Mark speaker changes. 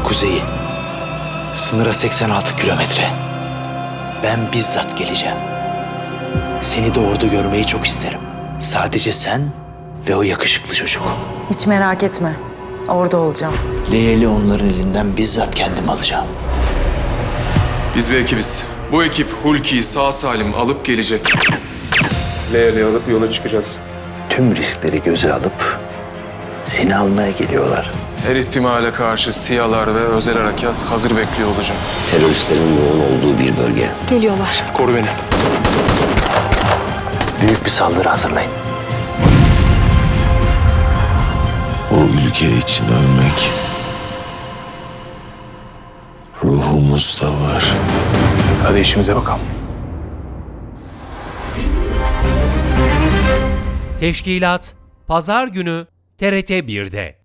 Speaker 1: kuzeyi. Sınıra 86 kilometre. Ben bizzat geleceğim. Seni de orada görmeyi çok isterim. Sadece sen ve o yakışıklı çocuk.
Speaker 2: Hiç merak etme. Orada olacağım.
Speaker 1: Leyel'i onların elinden bizzat kendim alacağım.
Speaker 3: Biz bir ekibiz. Bu ekip Hulki'yi sağ salim alıp gelecek.
Speaker 4: Leyel'i alıp yola çıkacağız.
Speaker 1: Tüm riskleri göze alıp seni almaya geliyorlar.
Speaker 3: Her ihtimale karşı SİHA'lar ve özel harekat hazır bekliyor olacak.
Speaker 5: Teröristlerin yoğun olduğu bir bölge.
Speaker 2: Geliyorlar.
Speaker 4: Koru beni.
Speaker 1: Büyük bir saldırı hazırlayın.
Speaker 6: O ülke için ölmek ruhumuzda var.
Speaker 4: Hadi işimize bakalım.
Speaker 7: Teşkilat Pazar günü TRT 1'de.